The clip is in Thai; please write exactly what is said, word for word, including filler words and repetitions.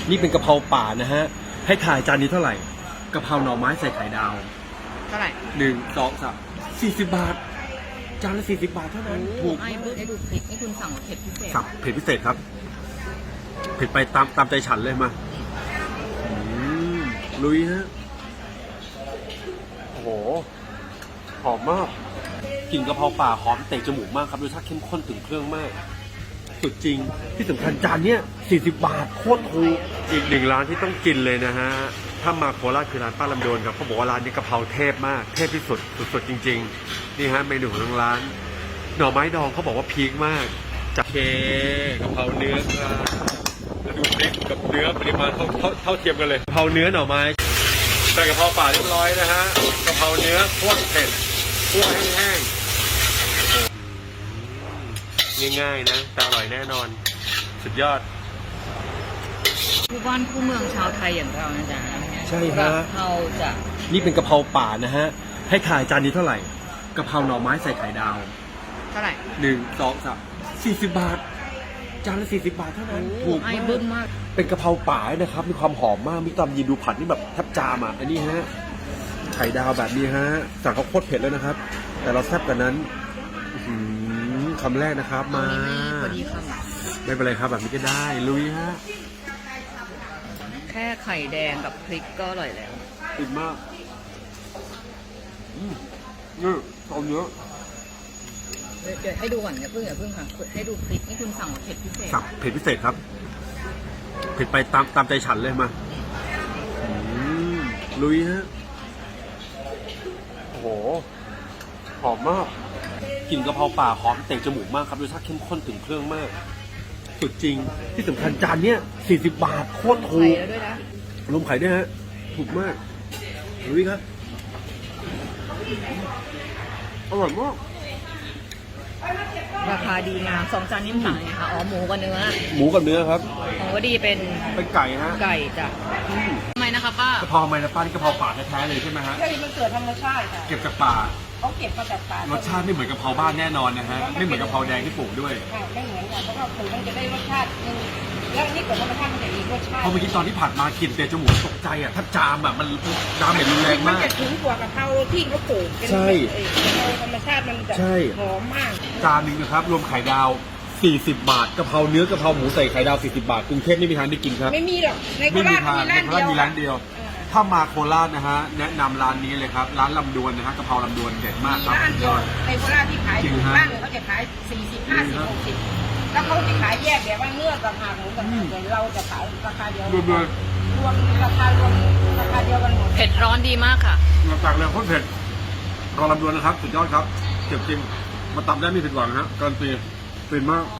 นี่เป็นกะเพราป่านะฮะให้ถ่ายจานนี้เท่าไหร่กะเพราหน่อไม้ใส่ไข่ดาวเท่าไหร่หนึ่งสองสามสี่สิบบาทจานละสี่สิบบาทเท่านั้นถูกไอ้เบิร์ดไอ้ดูพริกนี่คุณสั่งเผ็ดพิเศษสั่งเผ็ดพิเศษครับเผ็ดไปตามตามใจฉันเลยมาลุยฮะโอ้โหหอมมากกลิ่นกะเพราป่าหอมเตะจมูกมากครับรสชาติเข้มข้นถึงเครื่องมากสุดจริงที่สำคัญจานเนี้ยสี่สิบบาทโคตรถูกอีกหนึ่งร้านที่ต้องกินเลยนะฮะถ้ามาโคราชคือร้านป้าลำโดนครับเขาบอกว่าร้านนี้กะเพราเทพมากเทพที่สุดสุดๆจริงๆนี่ฮะเมนูของทางร้านหน่อไม้ดองเขาบอกว่าพีคมากจากเคกะเพราเนื้อครับแล้วดูพริกกับเนื้อปริมาณเท่าเท่าเท่าเทียมกันเลยกะเพราเนื้อหน่อไม้ใส่กะเพราป่าเรียบร้อยนะฮะกะเพราเนื้อโคตรเผ็ดคั่วแห้งๆง่ายๆนะแต่อร่อยแน่นอนสุดยอดผู้บ้านผู้เมืองชาวไทยอย่างเรานะจ๊ะใช่ฮะเราจะนี่เป็นกะเพราป่านะฮะให้ถ่ายจานนี้เท่าไหร่กะเพราหน่อไม้ใส่ไข่ดาวเท่าไหร่หนึ่งสองสามสี่สิบบาทจานละสี่สิบบาทเท่านั้นถูกไอ้บึ้มมากเป็นกะเพราป่านะครับมีความหอมมากมีตำยีดูผัดนี่แบบแทบจามอ่ะอันนี้ฮะไข่ดาวแบบนี้ฮะสั่งเขาโคตรเผ็ดแล้วนะครับแต่เราแซ่บกันนั้นคำแรกนะครับมาไม่เป็นไรครับแบบนี้ก็ได้ลุยฮะแค่ไข่แดงกับพริกก็อร่อยแล้วอิ่มมากอืมนี่ตอนเยอะเดี๋ยวให้ดูก่อนอย่าเพิ่งอย่าเพิ่งค่ะให้ดูพริกนี่คุณสั่งเผ็ดพิเศษสั่งเผ็ดพิเศษครับเผ็ดไปตามตามใจฉันเลยมาลุยฮะโอ้โหหอมมากกลิ่นกะเพราป่าหอมเตะจมูกมากครับรสชาติเข้มข้นถึงเครื่องมากสุดจริงที่สำคัญจานเนี้ยสี่สิบบาทโคตรถูกรวมไข่ด้วยฮะถูกมากลุยครับอร่อยมากราคาดีงามสองจานนิ่มสั่งไงคะอ๋อหมูกับเนื้อหมูกับเนื้อครับของวดีเป็นเป็นไก่ฮะไก่จ้ะทำไมนะคะป้ากะเพราทำไมนะป้านี่กะเพราป่าแท้ๆเลยใช่ไหมฮะใช่มันเกิดธรรมชาติค่ะเก็บจากป่าเขาเก็บมาจากป่ารสชาติไม่เหมือนกะเพราบ้านแน่นอนนะฮะไม่เหมือนกะเพราแดงที่ปลูกด้วยไม่เหมือนกันเพราะว่าปลูกมันจะได้รสชาตินึงแล้วนี่เกิดธรรมชาติมันจะมีรสชาติพอเมื่อกี้ตอนที่ผัดมากลิ่นเตะจมูกตกใจอ่ะถ้าจามอ่ะมันจามแบบรุนแรงมากมันจะถึงกว่ากะเพราที่เขาปลูกใช่กะเพราธรรมชาติมันจะหอมมากจานนึงนะครับรวมไข่ดาวสี่สิบบาทกะเพราเนื้อกะเพราหมูใส่ไข่ดาวสี่สิบบาทกรุงเทพไม่มีทางได้กินครับไม่มีหรอกในโคราชมีร้านเดียวมีร้านเดียวถ้ามาโคราชนะฮะแนะนำร้านนี้เลยครับร้านลำดวนนะฮะกะเพราลำดวนเด็ดมากครับร้านเดียวในโคราชที่ขายถูกบ้านเขาจะขายสี่สิบห้าสิบหกสิบแล้วเขาจะขายแยกแบบว่าเนื้อกับหางหมูกับแต่เราจะขายราคาเดียวรวมรวมราคารวมราคาเดียวกันหมดเผ็ดร้อนดีมากค่ะมาตักเลยโคตรเผ็ดรอลำดวนนะครับสุดยอดครับเจ็บจริงมาตำได้ไม่ผิดหวังฮะการันตีเป็นมาก